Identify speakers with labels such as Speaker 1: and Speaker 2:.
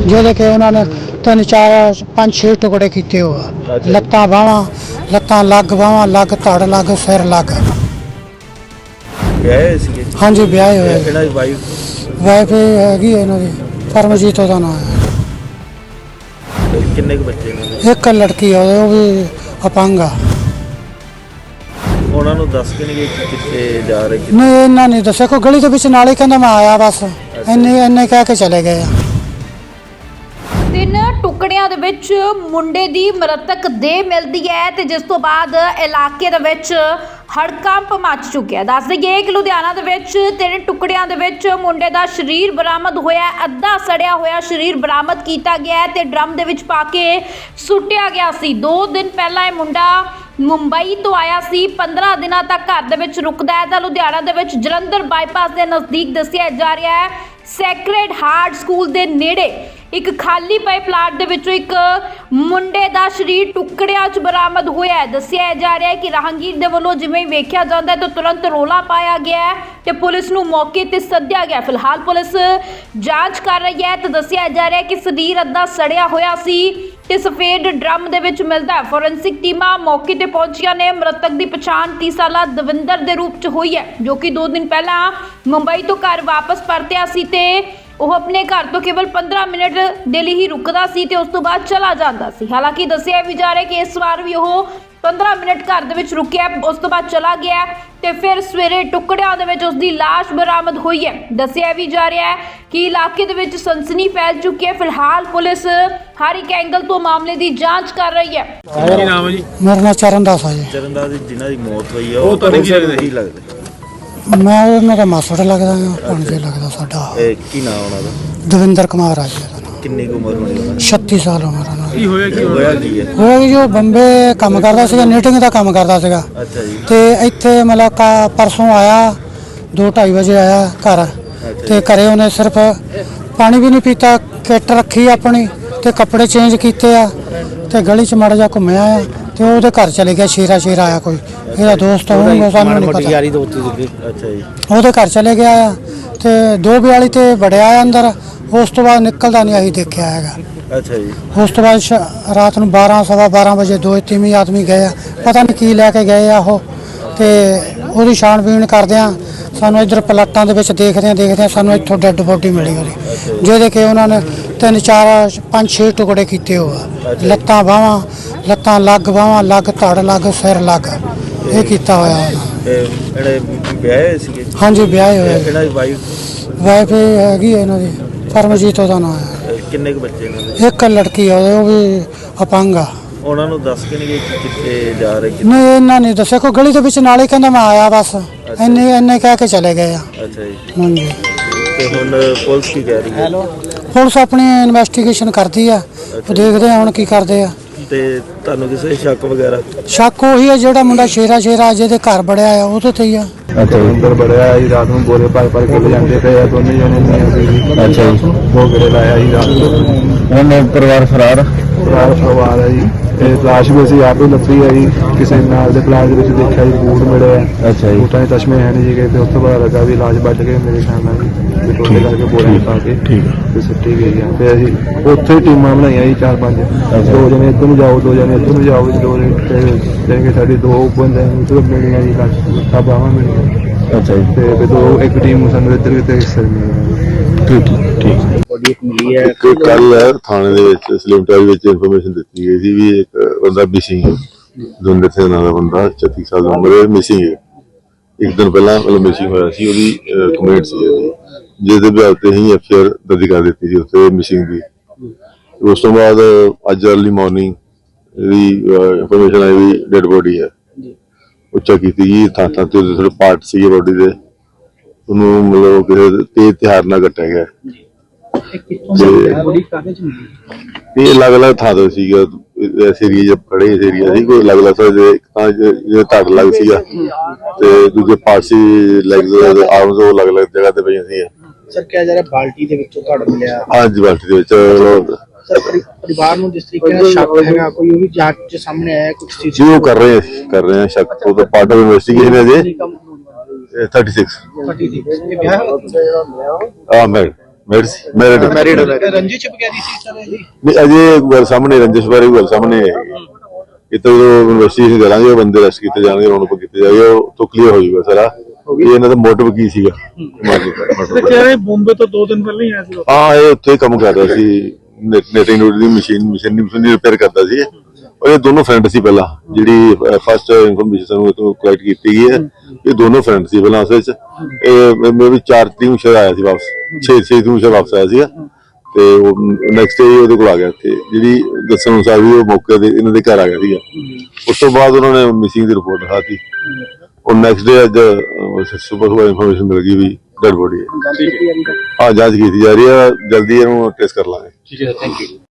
Speaker 1: ਜਿਹਦੇ ਕਿ ਉਹਨਾਂ ਨੇ 3 4 5 6 ਟੁਕੜੇ ਕੀਤੇ ਹੋ ਲੱਤਾਂ ਬਾਹਾਂ ਲੱਤਾਂ ਲੱਗ ਬਾਹਾਂ ਲੱਗ ਧੜ ਲੱਗ ਸਿਰ ਲੱਗ
Speaker 2: ਵਿਆਹੇ ਸੀਗੇ?
Speaker 1: ਹਾਂਜੀ ਵਿਆਹੇ ਹੋਏ।
Speaker 2: ਇਹਨਾਂ ਦੀ ਵਾਈਫ
Speaker 1: ਹੈਗੀ ਇਹਨਾਂ ਦੀ ਪਰਮਜੀਤ ਉਹਦਾ ਨਾਮ ਹੈ।
Speaker 2: ਕਿੰਨੇ ਕੁ ਬੱਚੇ ਇਹਨਾਂ ਦੇ?
Speaker 1: ਇੱਕ ਲੜਕੀ ਆ ਉਹ ਵੀ ਅਪੰਗ ਆ।
Speaker 2: ਉਹਨਾਂ ਨੂੰ ਦੱਸ ਕੇ ਨਹੀਂ ਗਏ ਕਿ ਕਿੱਥੇ ਜਾ ਰਹੇ
Speaker 1: ਨਹੀਂ ਇਹਨਾਂ ਨੇ ਦੱਸਿਆ, ਕੋਈ ਗਲੀ ਦੇ ਵਿੱਚ ਨਾਲੇ ਕਹਿੰਦਾ ਮੈਂ ਆਇਆ ਬਸ ਇੰਨੇ ਕਹਿ ਕੇ ਚਲੇ ਗਏ ਆ।
Speaker 3: 3 ਟੁਕੜਿਆਂ ਦੇ ਵਿੱਚ ਮੁੰਡੇ ਦੀ ਮ੍ਰਿਤਕ ਦੇਹ ਮਿਲਦੀ ਹੈ ਤੇ ਜਿਸ ਤੋਂ ਬਾਅਦ ਇਲਾਕੇ ਦੇ ਵਿੱਚ ਹੜਕੰਪ ਮਚ ਚੁੱਕਿਆ। ਦੱਸ ਦਈਏ ਕਿ ਲੁਧਿਆਣਾ ਦੇ ਵਿੱਚ 3 ਟੁਕੜਿਆਂ ਦੇ ਵਿੱਚ ਮੁੰਡੇ ਦਾ ਸਰੀਰ ਬਰਾਮਦ ਹੋਇਆ। ਅੱਧਾ ਸੜਿਆ ਹੋਇਆ ਸਰੀਰ ਬਰਾਮਦ ਕੀਤਾ ਗਿਆ ਤੇ ਡਰਮ ਦੇ ਵਿੱਚ ਪਾ ਕੇ ਸੁੱਟਿਆ ਗਿਆ ਸੀ। 2 ਦਿਨ ਪਹਿਲਾਂ ਇਹ ਮੁੰਡਾ ਮੁੰਬਈ ਤੋਂ ਆਇਆ ਸੀ। 15 ਦਿਨਾਂ ਤੱਕ ਘਰ ਦੇ ਵਿੱਚ ਰੁਕਦਾ ਹੈ ਤਾਂ ਲੁਧਿਆਣਾ ਦੇ ਵਿੱਚ ਜਲੰਧਰ ਬਾਈਪਾਸ ਦੇ ਨਜ਼ਦੀਕ ਦੱਸਿਆ ਜਾ ਰਿਹਾ ਹੈ ਸੈਕਰਡ ਹਾਰਟ ਸਕੂਲ ਦੇ ਨੇੜੇ ਇੱਕ ਖਾਲੀ ਪਏ ਪਲਾਟ ਦੇ ਵਿੱਚੋਂ ਇੱਕ ਮੁੰਡੇ ਦਾ ਸਰੀਰ ਟੁਕੜਿਆਂ 'ਚ ਬਰਾਮਦ ਹੋਇਆ ਹੈ। ਦੱਸਿਆ ਜਾ ਰਿਹਾ ਹੈ ਕਿ ਰਾਹਗੀਰ ਦੇ ਵੱਲੋਂ ਜਿਵੇਂ ਹੀ ਵੇਖਿਆ ਜਾਂਦਾ ਹੈ ਤਾਂ ਤੁਰੰਤ ਰੌਲਾ ਪਾਇਆ ਗਿਆ ਹੈ ਤੇ ਪੁਲਿਸ ਨੂੰ ਮੌਕੇ ਤੇ ਸੱਦਿਆ ਗਿਆ। ਫਿਲਹਾਲ ਪੁਲਿਸ ਜਾਂਚ ਕਰ ਰਹੀ ਹੈ ਤੇ ਦੱਸਿਆ ਜਾ ਰਿਹਾ ਹੈ ਕਿ ਸਰੀਰ ਅੱਧਾ ਸੜਿਆ ਹੋਇਆ ਸੀ ਤੇ ਸਫੇਦ ਡਰਮ ਦੇ ਵਿੱਚ ਮਿਲਦਾ। ਫੋਰੈਂਸਿਕ ਟੀਮਾਂ ਮੌਕੇ ਤੇ ਪਹੁੰਚੀਆਂ ਨੇ। ਮ੍ਰਿਤਕ ਦੀ ਪਛਾਣ 30 ਸਾਲਾ ਦਵਿੰਦਰ ਦੇ ਰੂਪ 'ਚ ਹੋਈ ਹੈ ਜੋ ਕਿ 2 ਦਿਨ ਪਹਿਲਾਂ ਮੁੰਬਈ ਤੋਂ ਘਰ ਵਾਪਸ ਪਰਤਿਆ ਸੀ ਤੇ ਉਹ ਆਪਣੇ ਘਰ ਤੋਂ ਕੇਵਲ 15 ਮਿੰਟ ਦੇ ਲਈ ਹੀ ਰੁਕਦਾ ਸੀ ਤੇ ਉਸ ਤੋਂ ਬਾਅਦ ਚਲਾ ਜਾਂਦਾ ਸੀ। ਹਾਲਾਂਕਿ ਦੱਸਿਆ ਵੀ ਜਾ ਰਿਹਾ ਕਿ ਇਸ ਵਾਰ ਵੀ ਉਹ 15 ਮਿੰਟ ਘਰ ਦੇ ਵਿੱਚ ਰੁਕਿਆ, ਉਸ ਤੋਂ ਬਾਅਦ ਚਲਾ ਗਿਆ ਤੇ ਫਿਰ ਸਵੇਰੇ ਟੁਕੜਿਆਂ ਦੇ ਵਿੱਚ ਉਸ ਦੀ ਲਾਸ਼ ਬਰਾਮਦ ਹੋਈ ਹੈ। ਦੱਸਿਆ ਵੀ ਜਾ ਰਿਹਾ ਹੈ ਕਿ ਇਲਾਕੇ ਦੇ ਵਿੱਚ ਸਨਸਨੀ ਫੈਲ ਚੁੱਕੀ ਹੈ। ਫਿਲਹਾਲ ਪੁਲਿਸ ਹਰ ਇੱਕ ਐਂਗਲ ਤੋਂ ਮਾਮਲੇ ਦੀ ਜਾਂਚ ਕਰ ਰਹੀ ਹੈ।
Speaker 2: ਕੀ ਨਾਮ ਹੈ ਜੀ?
Speaker 1: ਮੇਰਾ ਨਾਮ ਚਰਨਦਾਸ ਆ ਜੀ।
Speaker 2: ਚਰਨਦਾਸ ਦੀ ਜਿਨ੍ਹਾਂ ਦੀ ਮੌਤ ਹੋਈ ਆ ਉਹ ਤੁਹਾਨੂੰ ਕੀ ਲੱਗਦਾ?
Speaker 1: ਮੈਂ ਉਹਨਾਂ ਦਾ ਮਾਸੜ ਲੱਗਦਾ ਹਾਂ, ਭਾਣਜਾ ਲੱਗਦਾ ਸਾਡਾ।
Speaker 2: ਕੀ ਨਾਮ ਉਹਨਾਂ ਦਾ?
Speaker 1: ਦਵਿੰਦਰ ਕੁਮਾਰ ਆ ਜੀ ਉਹਦਾ ਨਾਮ।
Speaker 2: ਕਿੰਨੀ ਕੁ ਉਮਰ ਹੋਣੀ ਉਹਨਾਂ ਦੀ?
Speaker 1: 36 ਸਾਲ ਉਮਰ ਉਹਨਾਂ ਦੀ।
Speaker 2: ਕੀ ਹੋਇਆ ਕੀ ਹੈ?
Speaker 1: ਉਹ ਜੋ ਬੰਬੇ ਕੰਮ ਕਰਦਾ ਸੀਗਾ, ਨੀਟਿੰਗ ਦਾ ਕੰਮ ਕਰਦਾ ਸੀਗਾ।
Speaker 2: ਅੱਛਾ ਜੀ।
Speaker 1: ਤੇ ਇੱਥੇ ਮਤਲਬ ਪਰਸੋਂ ਆਇਆ 2-2:30 ਵਜੇ ਆਇਆ ਘਰ ਤੇ ਘਰੇ ਉਹਨੇ ਸਿਰਫ ਪਾਣੀ ਵੀ ਨਹੀਂ ਪੀਤਾ, ਕਿੱਟ ਰੱਖੀ ਆਪਣੀ ਤੇ ਕੱਪੜੇ ਚੇਂਜ ਕੀਤੇ ਆ ਤੇ ਗਲੀ 'ਚ ਮਾੜਾ ਜਿਹਾ ਘੁੰਮਿਆ ਆ ਤੇ ਉਹਦੇ ਘਰ ਚਲੇ ਗਿਆ। ਸ਼ੇਰਾ ਆਇਆ ਕੋਈ ਇਹਦਾ ਦੋਸਤ ਹੋਊਗਾ, ਸਾਨੂੰ ਨਹੀਂ ਪਤਾ।
Speaker 2: ਅੱਛਾ ਜੀ।
Speaker 1: ਉਹਦੇ ਘਰ ਚਲੇ ਗਿਆ ਆ ਤੇ 2:42 ਤੇ ਵੜਿਆ ਆ ਅੰਦਰ। ਉਸ ਤੋਂ ਬਾਅਦ ਨਿਕਲਦਾ ਨਹੀਂ ਅਸੀਂ ਦੇਖਿਆ ਹੈਗਾ।
Speaker 2: ਅੱਛਾ ਜੀ।
Speaker 1: ਉਸ ਤੋਂ ਬਾਅਦ ਰਾਤ ਨੂੰ 12-12:15 ਵਜੇ 2-3 ਆਦਮੀ ਗਏ ਆ, ਪਤਾ ਨਹੀਂ ਕੀ ਲੈ ਕੇ ਗਏ ਆ ਉਹ ਤੇ ਉਹਦੀ ਛਾਣਬੀਣ ਕਰਦੇ ਆ। ਸਾਨੂੰ ਇੱਧਰ ਪਲਾਟਾਂ ਦੇ ਵਿੱਚ ਦੇਖਦੇ ਆ ਸਾਨੂੰ ਇੱਥੋਂ ਡੈੱਡ ਬੋਡੀ ਮਿਲੀ ਉਹਦੀ, ਜਿਹਦੇ ਕਿ ਉਹਨਾਂ ਨੇ 3 4 5 6 ਟੁਕੜੇ ਕੀਤੇ ਹੋ ਲੱਤਾਂ ਬਾਹਾਂ ਲੱਤਾਂ ਲੱਗ ਬਾਹਾਂ ਲੱਗ ਧੜ ਲੱਗ ਸਿਰ ਲੱਗ ਇਹ ਕੀਤਾ ਹੋਇਆ ਉਹਨਾਂ।
Speaker 2: ਜਿਹੜੇ ਵਿਆਹੇ ਸੀਗੇ?
Speaker 1: ਹਾਂਜੀ ਵਿਆਹੇ ਹੋਏ।
Speaker 2: ਇਹਨਾਂ ਦੀ ਵਾਈਫ
Speaker 1: ਹੈਗੀ ਇਹਨਾਂ ਦੀ ਪਰਮਜੀਤ ਉਹਦਾ ਨਾਮ ਹੈ।
Speaker 2: ਕਿੰਨੇ ਕੁ ਬੱਚੇ ਇਹਨਾਂ ਦੇ?
Speaker 1: ਇੱਕ ਲੜਕੀ ਆ ਉਹ ਵੀ ਅਪੰਗ ਆ।
Speaker 2: ਉਹਨਾਂ ਨੂੰ ਦੱਸ ਕੇ ਨਹੀਂ ਗਏ ਕਿ ਕਿੱਥੇ ਜਾ ਰਹੇ?
Speaker 1: ਨਹੀਂ ਇਹਨਾਂ ਨੇ ਦੱਸਿਆ, ਕੋਈ ਗਲੀ ਦੇ ਵਿੱਚ ਨਾਲੇ ਕਹਿੰਦਾ ਮੈਂ ਆਇਆ ਬਸ ਇੰਨੇ ਕਹਿ ਕੇ ਚਲੇ ਗਏ ਆ।
Speaker 2: ਅੱਛਾ ਜੀ।
Speaker 1: ਹਾਂਜੀ।
Speaker 2: ਤੇ ਹੁਣ ਪੁਲਿਸ ਕੀ ਕਹਿ ਰਹੀ ਹੈ?
Speaker 1: ਪੁਲਿਸ ਆਪਣੀ ਇਨਵੈਸਟੀਗੇਸ਼ਨ ਕਰਦੀ ਆ, ਉਹ ਦੇਖਦੇ ਆ ਹੁਣ ਕੀ ਕਰਦੇ ਆ।
Speaker 2: ਤੇ ਤੁਹਾਨੂੰ ਕਿਸੇ ਸ਼ੱਕ ਵਗੈਰਾ?
Speaker 1: ਸ਼ੱਕ ਉਹੀ ਹੈ ਜਿਹੜਾ ਮੁੰਡਾ ਸ਼ੇਰਾ ਜਿਹਦੇ ਘਰ ਬੜਿਆ ਆ ਉਹਦੇ ਤੇ ਹੀ ਆ।
Speaker 4: ਅੱਛਾ ਅੰਦਰ ਬੜਿਆ ਜੀ, ਰਾਤ ਨੂੰ ਬੋਲੇ ਭਰ ਕੇ ਜਾਂਦੇ ਪਏ ਆ ਦੋਨੇ ਜਣੇ ਨਹੀਂ। ਅੱਛਾ ਜੀ। ਉਹ ਗੇੜੇ ਲਾਇਆ ਜੀ ਰਾਤ ਨੂੰ।
Speaker 2: ਉਹਨਾਂ ਪਰਿਵਾਰ ਫਰਾਰ
Speaker 4: ਪਰਿਵਾਰ ਹੈ ਜੀ। ਇਹ ਲਾਸ਼ ਵੀ ਅਸੀਂ ਆਪ ਹੀ ਲੱਭੀ ਹੈ ਜੀ, ਕਿਸੇ ਨਾਲ ਦੇ ਪਲਾਟ ਦੇ ਵਿੱਚ ਦੇਖਿਆ ਜੀ, ਬੂਟ ਮਿਲੇ ਆ।
Speaker 2: ਅੱਛਾ ਜੀ।
Speaker 4: ਬੂਟਾਂ ਦੇ ਤਸ਼ਮੇ ਹੈ ਨਹੀਂ ਸੀਗੇ ਤੇ ਉਸ ਤੋਂ ਪਤਾ ਲੱਗਾ ਵੀ ਲਾਸ਼ ਵੱਢ ਕੇ ਮੇਰੇ ਖਿਆਲ ਨਾਲ ਜੀ ਟੋਲੇ ਕਰਕੇ ਬੋਲੇ ਪਾ ਕੇ ਤੇ ਸੁੱਟੀ ਗਈ ਆ। ਤੇ ਅਸੀਂ ਉੱਥੇ ਟੀਮਾਂ ਬਣਾਈਆਂ ਜੀ 4-5, 2 ਜਣੇ ਇੱਧਰ ਨੂੰ ਜਾਓ 2 ਜਣੇ ਇੱਧਰ ਨੂੰ ਜਾਓ ਜੀ, 2 ਤੇ ਸਾਡੀ 2 ਬੰਦੇ ਨੂੰ ਮਿਲੀਆਂ ਜੀ ਲਾਸ਼ ਬਾਹਾਂ ਮਿਲੀਆਂ।
Speaker 2: ਅੱਛਾ ਜੀ।
Speaker 4: ਤੇ ਇੱਕ ਟੀਮ ਸਾਨੂੰ ਇੱਧਰ ਤੇ ਹਿੱਸੇ ਮਿਲੀ।
Speaker 2: ਠੀਕ।
Speaker 5: ਕੱਲ ਥਾਣੇ ਦੇ ਵਿੱਚ ਸਲਿਮਟਾਈ ਵਿੱਚ ਇਨਫੋਰਮੇਸ਼ਨ ਦਿੱਤੀ ਗਈ ਸੀ ਵੀ ਇੱਕ ਬੰਦਾ ਮਿਸਿੰਗ ਹੈ। ਦਵਿੰਦਰ ਸਿੰਘ ਨਾਮ ਦਾ ਬੰਦਾ 36 ਸਾਲ ਦੀ ਉਮਰ ਹੈ, ਮਿਸਿੰਗ ਹੈ। ਇੱਕ ਦਿਨ ਪਹਿਲਾਂ ਮਿਸਿੰਗ ਹੋਇਆ ਸੀ, ਉਹਦੀ ਕੰਪਲੇਂਟ ਸੀ ਜਿਹਦੇ ਬਿਆਨ ਤੇ ਹੀ ਐਫਆਈਆਰ ਦਰਜ ਕਰ ਦਿੱਤੀ ਸੀ ਉੱਥੇ ਮਿਸਿੰਗ ਦੀ। ਉਸ ਤੋਂ ਬਾਅਦ ਅੱਜ ਅਰਲੀ ਮਾਰਨਿੰਗ ਇਹਦੀ ਇਨਫੋਰਮੇਸ਼ਨ ਆਈ ਵੀ ਡੈਡ ਬੋਡੀ ਹੈ। ਉੱਚਾ ਕੀਤੀ ਜੀ ਥਾਂ ਤੇ ਥੋੜੇ ਪਾਰਟ ਸੀਗੇ ਬੋਡੀ ਦੇ, ਉਹਨੂੰ ਮਤਲਬ ਕਿਸੇ ਤੇਜ਼ ਹਥਿਆਰ ਨਾਲ ਕੱਟਿਆ ਗਿਆ। ਇਹ ਅਲੱਗ-ਅਲੱਗ ਥਾਂ ਤੋਂ ਸੀਗਾ, ਇਸ ਏਰੀਏ ਚ ਖੜੇ ਇਸ ਏਰੀਆ ਸੀ, ਕੋਈ ਅਲੱਗ-ਅਲੱਗ ਥਾਂ ਜੇ ਧੜ ਲੱਗ ਸੀਗਾ ਤੇ ਦੂਜੇ ਪਾਸੇ ਲੈਗਸ ਆਰਮਸ ਉਹ ਅਲੱਗ-ਅਲੱਗ ਜਗ੍ਹਾ ਤੇ ਪਈਆਂ ਸੀ।
Speaker 6: ਸਰ ਕਿਹਾ ਜਾ ਰਿਹਾ ਬਾਲਟੀ ਦੇ ਵਿੱਚੋਂ ਧੜ ਮਿਲਿਆ?
Speaker 5: ਹਾਂਜੀ ਬਾਲਟੀ ਦੇ ਵਿੱਚ।
Speaker 6: ਸਰ ਪਰਿਵਾਰ ਨੂੰ ਜਿਸ ਤਰੀਕੇ ਨਾਲ ਸ਼ੱਕ ਹੈਗਾ ਕੋਈ ਉਹ ਵੀ ਜਾਂਚ ਚ ਸਾਹਮਣੇ ਆਇਆ ਕੁਝ ਚੀਜ਼?
Speaker 5: ਜੀ ਉਹ ਕਰ ਰਹੇ ਆ ਸ਼ੱਕ ਤੋਂ ਪਾਰਟ ਆਫ ਇਨਵੈਸਟੀਗੇਸ਼ਨ ਹੈ ਜੀ। 36
Speaker 6: ਇਹ ਵਿਆਹ
Speaker 5: ਮੈਂ ਮੈਰਿਡ
Speaker 6: ਰੰਜਿਸ਼ ਵਗੈਰੀ ਸੀ ਸਰ ਜੀ?
Speaker 5: ਨਹੀਂ ਅਜੇ ਗੱਲ ਸਾਹਮਣੇ ਰੰਜਿਸ਼ ਬਾਰੇ ਗੱਲ ਸਾਹਮਣੇ ਇਹ ਤਾਂ ਜਦੋਂ ਇਨਵੈਸਟੀਗੇਸ਼ਨ ਕਰਾਂਗੇ ਉਹ ਬੰਦੇ ਅਰੈਸਟ ਕੀਤੇ ਜਾਣਗੇ ਉਹਨਾਂ ਨੂੰ ਕੀਤੇ ਜਾਏਗਾ ਉਹ ਤੋਂ ਕਲੀਅਰ ਹੋ ਜਾਊਗਾ ਸਾਰਾ ਇਹ ਇਹਨਾਂ ਦਾ ਮੋਟਿਵ ਕੀ ਸੀਗਾ।
Speaker 6: ਬੰਬੇ ਤੋਂ 2 ਦਿਨ ਪਹਿਲਾਂ ਹੀ ਆਇਆ ਸੀ।
Speaker 5: ਹਾਂ ਇਹ ਉੱਥੇ ਕੰਮ ਕਰਦਾ ਸੀ ਨੈਟਿੰਗ ਦੀ ਮਸ਼ੀਨ ਰਿਪੇਅਰ ਕਰਦਾ ਸੀ ਔਰ ਇਹ ਦੋਨੋਂ ਫਰੈਂਡ ਸੀ ਪਹਿਲਾਂ ਜਿਹੜੀ ਫਸਟ ਇਨਫੋਰਮੇਸ਼ਨ ਸਾਨੂੰ ਇਥੋਂ ਕਲੈਕਟ ਕੀਤੀ ਗਈ ਹੈ ਇਹ ਦੋਨੋਂ ਫਰੈਂਡ ਸੀ ਪਹਿਲਾਂ ਅਸਲ 'ਚ ਇਹ ਮੈਂ ਵੀ 4 ਤਰੀਕ ਨੂੰ ਸ਼ਾਇਦ ਆਇਆ ਸੀ ਵਾਪਸ 6 ਤਰੀਕ ਨੂੰ ਸ਼ਾਇਦ ਵਾਪਸ ਆਇਆ ਸੀਗਾ ਤੇ ਉਹ ਨੈਕਸਟ ਡੇ ਉਹਦੇ ਕੋਲ ਆ ਗਿਆ ਇੱਥੇ ਜਿਹੜੀ ਦੱਸਣ ਅਨੁਸਾਰ ਵੀ ਉਹ ਮੌਕੇ ਤੇ ਇਹਨਾਂ ਦੇ ਘਰ ਆ ਗਿਆ ਸੀਗਾ ਉਸ ਤੋਂ ਬਾਅਦ ਉਹਨਾਂ ਨੇ ਮਿਸਿੰਗ ਦੀ ਰਿਪੋਰਟ ਲਿਖਾਤੀ और नेक्स्ट डे अज सुबह इन्फॉर्मेशन मिल गई भी डेड बॉडी है। हाँ जांच की जा रही है जल्दी ट्रेस कर लांगे।
Speaker 6: ठीक है थैंक यू।